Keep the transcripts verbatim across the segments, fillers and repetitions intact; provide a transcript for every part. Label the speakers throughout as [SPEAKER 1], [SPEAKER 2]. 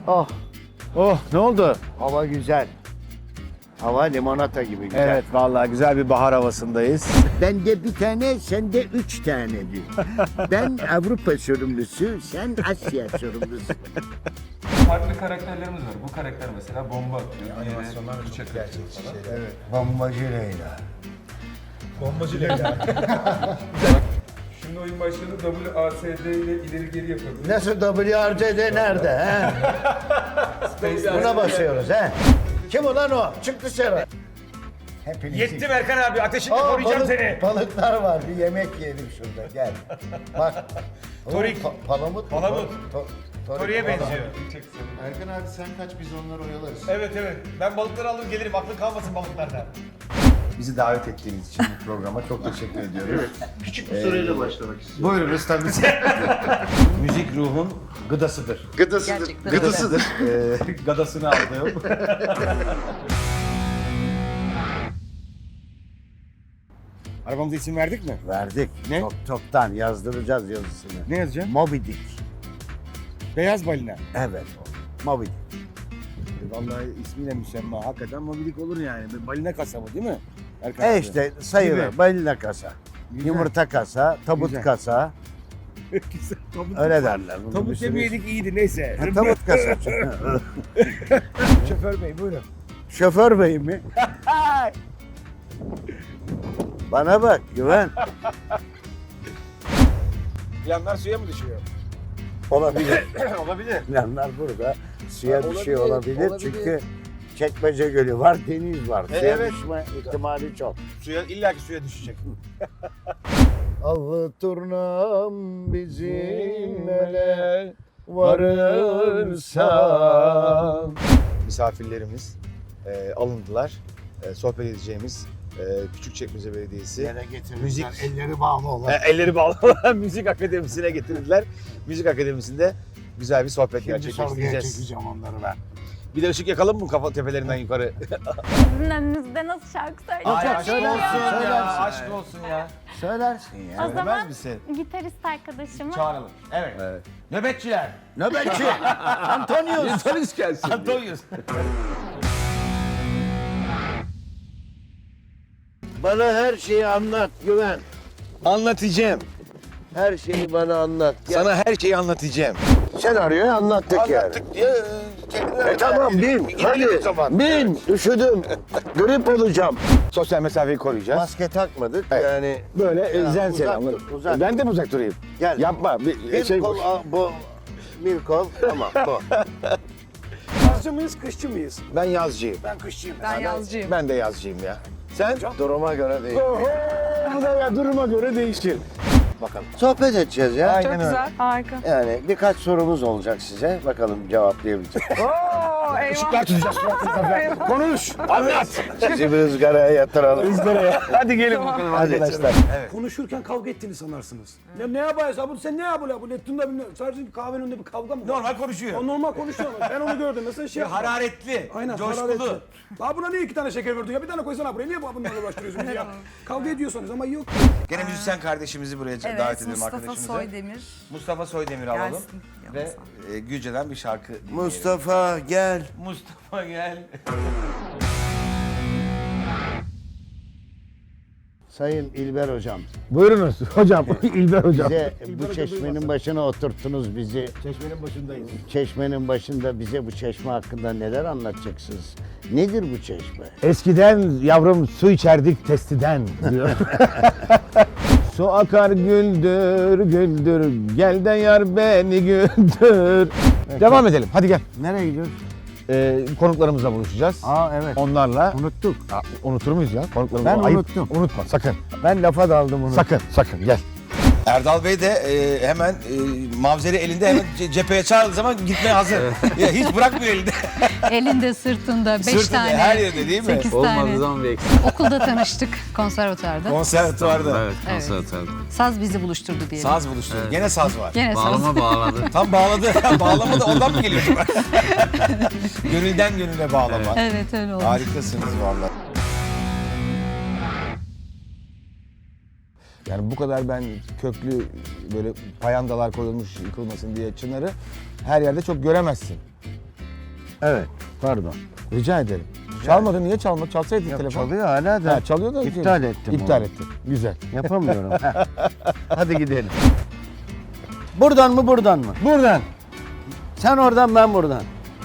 [SPEAKER 1] Oh,
[SPEAKER 2] Oh, ne oldu?
[SPEAKER 1] hava güzel. Hava limonata gibi güzel.
[SPEAKER 2] Evet, vallahi güzel bir bahar havasındayız.
[SPEAKER 1] Bende bir tane, sende üç tane diyor. Ben Avrupa sorumlusu, sen Asya sorumlusu.
[SPEAKER 3] Farklı karakterlerimiz var. Bu karakter mesela bomba atıyor. Animasyonlar çok gerçekçi şeyler.
[SPEAKER 1] Evet, bombacı Leyla.
[SPEAKER 3] Bombacı Leyla. Şimdi oyun başladı. W A S D ile ileri geri yapabiliriz.
[SPEAKER 1] Nasıl W R C D nerede he? Buna basıyoruz he. Kim ulan o? Çık dışarı. Hepiniz
[SPEAKER 2] Yettim Erkan abi, ateşini
[SPEAKER 1] Aa,
[SPEAKER 2] koruyacağım
[SPEAKER 1] balık-
[SPEAKER 2] seni.
[SPEAKER 1] Balıklar var. Bir yemek yiyelim şurada. Gel. Bak.
[SPEAKER 2] Torik.
[SPEAKER 1] Pa- palamut. mu?
[SPEAKER 2] Palamut.
[SPEAKER 1] To- torik.
[SPEAKER 2] Toriye benziyor.
[SPEAKER 4] Erkan abi sen kaç biz onları oyalarız.
[SPEAKER 2] Evet evet, ben balıkları alır gelirim, aklın kalmasın balıklardan.
[SPEAKER 4] Bizi davet ettiğiniz için bu programa çok teşekkür ediyorum.
[SPEAKER 1] Küçük bir soruyla başlamak istiyorum.
[SPEAKER 4] Buyurunuz tabii.
[SPEAKER 2] Müzik ruhun gıdasıdır.
[SPEAKER 4] Gıdasıdır.
[SPEAKER 5] Gerçekten.
[SPEAKER 4] Gıdasıdır.
[SPEAKER 2] Ee, gadasını aldığım. Arabamıza isim verdik mi?
[SPEAKER 1] Verdik.
[SPEAKER 2] Ne?
[SPEAKER 1] Çok, çoktan yazdıracağız yazısını.
[SPEAKER 2] Ne yazacağım?
[SPEAKER 1] Moby Dick.
[SPEAKER 2] Beyaz balina.
[SPEAKER 1] Evet. Moby Dick.
[SPEAKER 2] Vallahi ismiyle müsemma, hakikaten mobilik olur yani. Bir balina kasabı değil mi? Erkan
[SPEAKER 1] E
[SPEAKER 2] abi?
[SPEAKER 1] işte sayılır.
[SPEAKER 2] Gibi.
[SPEAKER 1] Balina kasa.
[SPEAKER 2] Güzel.
[SPEAKER 1] Yumurta kasa, tabut
[SPEAKER 2] Güzel.
[SPEAKER 1] kasa.
[SPEAKER 2] Güzel, tabut.
[SPEAKER 1] Öyle derler. Bunun bir
[SPEAKER 2] Tabut
[SPEAKER 1] sürü-
[SPEAKER 2] demeyedik iyiydi, neyse.
[SPEAKER 1] Ha, tabut kasa.
[SPEAKER 2] Şoför bey buyurun.
[SPEAKER 1] Şoför bey mi? Bana bak Güven.
[SPEAKER 2] Yanlar suya mı düşüyor?
[SPEAKER 1] Olabilir.
[SPEAKER 2] Olabilir.
[SPEAKER 1] Planlar burada. Suya
[SPEAKER 2] Ha,
[SPEAKER 1] bir şey
[SPEAKER 2] olabilir,
[SPEAKER 1] olabilir.
[SPEAKER 2] olabilir.
[SPEAKER 1] Çünkü Çekmece Gölü var, deniz var.
[SPEAKER 2] E,
[SPEAKER 1] Suya
[SPEAKER 2] evet.
[SPEAKER 1] düşme ihtimali çok.
[SPEAKER 2] Suya, illaki suya düşecek.
[SPEAKER 1] Avı turnam bizim ele varırsa.
[SPEAKER 6] Misafirlerimiz e, alındılar. E, sohbet edeceğimiz e, Küçükçekmece Belediyesi.
[SPEAKER 1] Yere getirirler,
[SPEAKER 6] Müzik.
[SPEAKER 1] elleri bağlı olan.
[SPEAKER 6] E, elleri bağlı olan Müzik Akademisi'ne getirdiler. Müzik Akademisi'nde güzel bir sohbet
[SPEAKER 1] Şimdi sorguya
[SPEAKER 6] gerçekleştireceğiz.
[SPEAKER 1] çekeceğim onları ben.
[SPEAKER 6] Bir de ışık yakalım mı kafa tepelerinden yukarı?
[SPEAKER 5] Sizin önünüzde nasıl şarkı söyleyeceğim?
[SPEAKER 1] Ay, aşk
[SPEAKER 5] bilmiyorum.
[SPEAKER 1] olsun ya,
[SPEAKER 6] aşk olsun ya.
[SPEAKER 1] Söylersin ya.
[SPEAKER 5] O zaman
[SPEAKER 6] misin?
[SPEAKER 5] gitarist arkadaşımı
[SPEAKER 2] Çağıralım. Evet. Nöbetçiler.
[SPEAKER 1] Nöbetçi. Antonius.
[SPEAKER 6] Polis gelsin.
[SPEAKER 2] Antonius.
[SPEAKER 1] Bana her şeyi anlat Güven.
[SPEAKER 6] Anlatacağım.
[SPEAKER 1] Her şeyi bana anlat. Gel.
[SPEAKER 6] Sana her şeyi anlatacağım.
[SPEAKER 1] Senaryoyu anlattık, yani.
[SPEAKER 6] Anlattık diye
[SPEAKER 1] E tamam bin. Hadi.
[SPEAKER 6] o zaman.
[SPEAKER 1] Bin. Üşüdüm. Grip olacağım.
[SPEAKER 6] Sosyal mesafeyi koruyacağız.
[SPEAKER 1] Maske takmadık.
[SPEAKER 6] Evet.
[SPEAKER 1] Yani
[SPEAKER 6] Böyle
[SPEAKER 1] Ya,
[SPEAKER 6] elzen
[SPEAKER 1] uzak
[SPEAKER 6] selamlar.
[SPEAKER 1] dur, uzak.
[SPEAKER 6] Ben de mi uzak durayım?
[SPEAKER 1] gel.
[SPEAKER 6] Yapma. Bir,
[SPEAKER 1] Bir
[SPEAKER 6] şey
[SPEAKER 1] kol al, bu. Bir kol. Tamam bu.
[SPEAKER 2] Yazcı mıyız, kışçı mıyız?
[SPEAKER 6] Ben yazcıyım.
[SPEAKER 2] Ben kışçıyım.
[SPEAKER 5] ben yazcıyım.
[SPEAKER 6] Ben de yazcıyım ya. Sen?
[SPEAKER 1] Duruma göre değil.
[SPEAKER 6] Oho, bu da ya duruma göre değişir.
[SPEAKER 2] Bakalım.
[SPEAKER 1] Sohbet edeceğiz ya.
[SPEAKER 6] Aynen
[SPEAKER 5] Çok
[SPEAKER 6] öyle.
[SPEAKER 5] güzel, harika.
[SPEAKER 1] Yani birkaç sorumuz olacak size. Bakalım cevaplayabilecek.
[SPEAKER 5] Oo, eyvah.
[SPEAKER 6] Işıklar tutacağız. Konuş, anlat.
[SPEAKER 1] Sizi bir ızgaraya yatıralım.
[SPEAKER 6] Hadi gelin bakalım
[SPEAKER 1] Hadi.
[SPEAKER 6] arkadaşlar.
[SPEAKER 2] Konuşurken kavga ettiğini sanarsınız. Ne, ne yapıyorsun? Abi sen ne yapıyorsun? Bu Neptun'da bilmiyorum. Sadece bir kahvenin önünde bir kavga mı var?
[SPEAKER 7] Normal konuşuyor.
[SPEAKER 2] O normal konuşuyor ama ben onu gördüm. Mesela şey yapma.
[SPEAKER 7] Hararetli,
[SPEAKER 2] Aynen,
[SPEAKER 7] coşkulu.
[SPEAKER 2] hararetli. Abi buna niye iki tane şeker verdin ya? Bir tane koysana buraya. Niye bunlarla uğraştırıyorsun bizi ya? Kavga ediyorsanız ama yok.
[SPEAKER 7] Gene müzisyen kardeşimizi buraya
[SPEAKER 8] Evet,
[SPEAKER 7] davet edelim
[SPEAKER 8] Mustafa
[SPEAKER 7] arkadaşımızı.
[SPEAKER 8] Soydemir
[SPEAKER 7] Mustafa Soydemir alalım.
[SPEAKER 8] gelsin.
[SPEAKER 7] Ve
[SPEAKER 8] yanımıza.
[SPEAKER 7] e, Gülce'den bir şarkı dinleyelim.
[SPEAKER 1] Mustafa gel.
[SPEAKER 7] Mustafa gel.
[SPEAKER 1] Sayın İlber Hocam.
[SPEAKER 6] Buyurunuz hocam, İlber hocam.
[SPEAKER 1] Bize bu çeşmenin başına oturttunuz bizi.
[SPEAKER 2] Çeşmenin başındayız.
[SPEAKER 1] Çeşmenin başında bize bu çeşme hakkında neler anlatacaksınız? Nedir bu çeşme?
[SPEAKER 6] Eskiden yavrum su içerdik testiden diyor. Su akar güldür güldür, gel de yar beni güldür. Devam edelim, hadi gel.
[SPEAKER 1] Nereye gidiyoruz?
[SPEAKER 6] Ee, konuklarımızla buluşacağız.
[SPEAKER 1] Aa evet.
[SPEAKER 6] Onlarla
[SPEAKER 1] Unuttuk.
[SPEAKER 6] Aa, unutur muyuz ya? Konuklarımızla.
[SPEAKER 1] Ben
[SPEAKER 6] Ayıp.
[SPEAKER 1] unuttum.
[SPEAKER 6] Unutma sakın.
[SPEAKER 1] Ben lafa daldım onu.
[SPEAKER 6] Sakın, sakın gel.
[SPEAKER 7] Erdal Bey de e, hemen e, mavzeri elinde hemen ce- cepheye çağırdığı zaman gitmeye hazır. Ya, hiç bırakmıyor elinde.
[SPEAKER 9] Elinde, sırtında, beş
[SPEAKER 7] Sırtında,
[SPEAKER 9] tane,
[SPEAKER 7] her yerde değil mi?
[SPEAKER 9] sekiz tane.
[SPEAKER 10] Olmadığı zaman bir eksik.
[SPEAKER 9] Okulda tanıştık, konservatuarda.
[SPEAKER 7] Konservatuvarda.
[SPEAKER 10] Evet, konservatuvarda.
[SPEAKER 9] Saz bizi buluşturdu diyelim.
[SPEAKER 7] Saz buluştu. Gene saz var.
[SPEAKER 9] Gene saz.
[SPEAKER 10] Bağlama bağladı.
[SPEAKER 7] Tam bağladı. Bağlama da ondan mı geliyor? Gönülden gönüle bağlama.
[SPEAKER 9] Evet, öyle oldu.
[SPEAKER 7] Harikasınız vallahi.
[SPEAKER 6] Yani bu kadar ben köklü böyle payandalar koyulmuş yıkılmasın diye çınarı her yerde çok göremezsin.
[SPEAKER 1] Evet. Pardon.
[SPEAKER 6] Rica ederim. Çalmadın, niye çalmadın? Çalsaydın
[SPEAKER 1] Yok,
[SPEAKER 6] telefon.
[SPEAKER 1] çalıyor hala da.
[SPEAKER 6] Ha, çalıyor da.
[SPEAKER 1] İptal ettim
[SPEAKER 6] İptal
[SPEAKER 1] onu.
[SPEAKER 6] ettim. Güzel.
[SPEAKER 1] Yapamıyorum. Hadi gidelim. Buradan mı buradan mı?
[SPEAKER 6] Buradan.
[SPEAKER 1] Sen oradan ben buradan.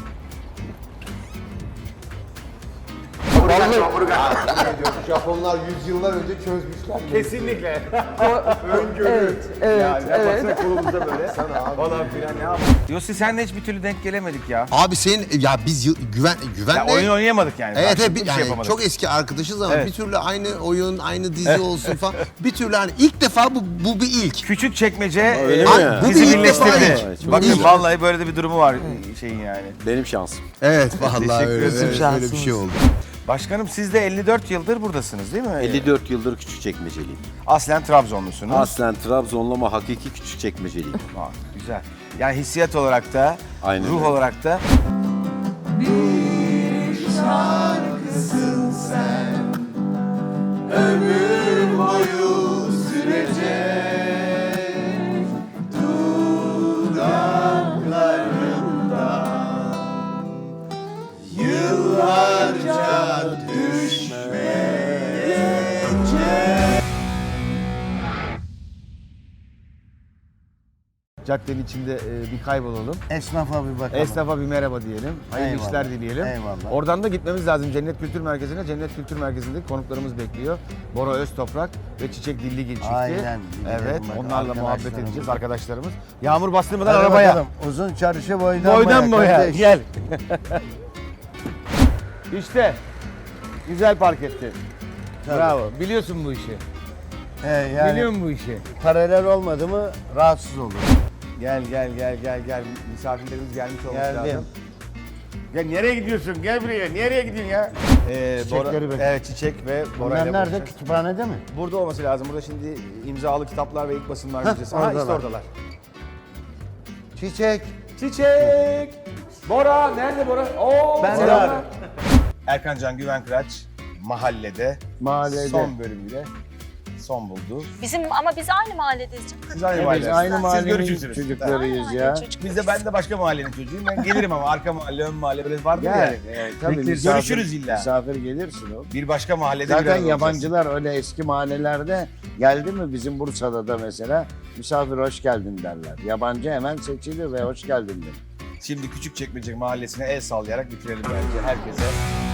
[SPEAKER 4] Japonlar yüzyıllar önce çözmüşler.
[SPEAKER 6] Kesinlikle.
[SPEAKER 2] Evet, evet, evet.
[SPEAKER 6] kolumuzda böyle. Falan filan ne yapalım. Yossi senle hiç bir türlü denk gelemedik ya.
[SPEAKER 8] Abi senin ya biz yıl- güven güvenle
[SPEAKER 6] Ya oyun oynayamadık yani.
[SPEAKER 8] Evet, evet
[SPEAKER 6] Karşılıklı
[SPEAKER 8] bir-
[SPEAKER 6] bir şey
[SPEAKER 8] yani
[SPEAKER 6] yapamadık.
[SPEAKER 8] çok eski arkadaşız ama
[SPEAKER 6] Evet.
[SPEAKER 8] bir türlü aynı oyun, aynı dizi olsun falan. Bir türlü hani ilk defa bu bu bir ilk.
[SPEAKER 6] Küçük çekmece
[SPEAKER 8] Öyle
[SPEAKER 6] e,
[SPEAKER 8] mi? Bu
[SPEAKER 6] bizi
[SPEAKER 8] bir ilk defa
[SPEAKER 6] birleştirdi.
[SPEAKER 8] ilk.
[SPEAKER 6] Bakın
[SPEAKER 8] İlk.
[SPEAKER 6] vallahi böyle de bir durumu var şeyin yani.
[SPEAKER 10] Benim şansım.
[SPEAKER 8] Evet vallahi
[SPEAKER 6] Teşekkür
[SPEAKER 8] öyle,
[SPEAKER 6] ederim.
[SPEAKER 8] öyle, öyle bir şey oldu.
[SPEAKER 6] Başkanım siz de elli dört yıldır buradasınız değil mi?
[SPEAKER 10] elli dört yıldır Küçükçekmeceliyim.
[SPEAKER 6] Aslen Trabzonlusunuz.
[SPEAKER 10] Aslen Trabzonlu ama hakiki Küçükçekmeceliyim.
[SPEAKER 6] Ha, güzel. Yani hissiyat olarak da,
[SPEAKER 10] Aynen
[SPEAKER 6] ruh
[SPEAKER 10] öyle.
[SPEAKER 6] olarak da caddenin içinde e, bir kaybolalım.
[SPEAKER 1] Esnafa bir bakalım.
[SPEAKER 6] Esnafa bir merhaba diyelim. Hayırlı
[SPEAKER 1] Eyvallah.
[SPEAKER 6] işler dileyelim.
[SPEAKER 1] Eyvallah.
[SPEAKER 6] Oradan da gitmemiz lazım Cennet Kültür Merkezi'ne. Cennet Kültür Merkezi'nde konuklarımız bekliyor. Bora Öztoprak ve Çiçek Dilligil çifti.
[SPEAKER 1] Aynen, gidelim
[SPEAKER 6] Evet,
[SPEAKER 1] bakalım.
[SPEAKER 6] onlarla muhabbet
[SPEAKER 1] Arkadaşlarımız.
[SPEAKER 6] edeceğiz arkadaşlarımız. Yağmur bastırmadan
[SPEAKER 1] Hadi
[SPEAKER 6] arabaya.
[SPEAKER 1] bakalım. Uzun çarşı boydan,
[SPEAKER 6] Boydan boya.
[SPEAKER 1] kardeş.
[SPEAKER 6] Gel. İşte. Güzel park etti. Bravo. Biliyorsun bu işi.
[SPEAKER 1] He, yani
[SPEAKER 6] Biliyor musun bu işi?
[SPEAKER 1] paralel olmadı mı rahatsız olur.
[SPEAKER 6] Gel gel gel gel gel. Misafirlerimiz gelmiş olması
[SPEAKER 1] Geldim.
[SPEAKER 6] lazım. Gel nereye gidiyorsun? Gel buraya. Nereye gidiyorsun ya? Ee,
[SPEAKER 1] Çiçekleri bekle.
[SPEAKER 6] Evet çiçek ve Bora
[SPEAKER 1] Bunlar
[SPEAKER 6] ile
[SPEAKER 1] nerede?
[SPEAKER 6] buluşacağız.
[SPEAKER 1] Kütüphanede mi?
[SPEAKER 6] Burada olması lazım. Burada şimdi imzalı kitaplar ve ilk basınlar
[SPEAKER 1] Hah,
[SPEAKER 6] müzesi. Ha işte
[SPEAKER 1] oradalar.
[SPEAKER 6] oradalar.
[SPEAKER 1] Çiçek.
[SPEAKER 6] Çiçek! Bora! Nerede Bora? Oo,
[SPEAKER 1] Ben
[SPEAKER 6] selamlar.
[SPEAKER 1] de.
[SPEAKER 6] Erkan Can Güven Kıraç mahallede,
[SPEAKER 1] Mahallede.
[SPEAKER 6] son bölümüyle son buldu.
[SPEAKER 11] Bizim ama biz aynı mahalledeyiz canım.
[SPEAKER 6] Siz aynı
[SPEAKER 1] Biz
[SPEAKER 6] mahallesiniz.
[SPEAKER 1] aynı
[SPEAKER 6] Siz
[SPEAKER 1] mahallenin
[SPEAKER 6] görüşürsünüz.
[SPEAKER 1] çocuklarıyız ya.
[SPEAKER 6] Biz de ben de başka mahallenin çocuğuyum. Ben gelirim ama arka mahalle, ön mahalle böyle vardır ya.
[SPEAKER 1] Yani, evet, tabii
[SPEAKER 6] Bekleriz,
[SPEAKER 1] misafir-
[SPEAKER 6] görüşürüz illa.
[SPEAKER 1] Misafir gelirsin oğlum.
[SPEAKER 6] Bir başka mahallede bir
[SPEAKER 1] Zaten
[SPEAKER 6] arada olacağız.
[SPEAKER 1] yabancılar öyle eski mahallelerde geldi mi bizim Bursa'da da mesela misafir hoş geldin derler. Yabancı hemen seçilir ve hoş geldin der.
[SPEAKER 6] Şimdi Küçükçekmece mahallesine el sallayarak bitirelim bence herkese.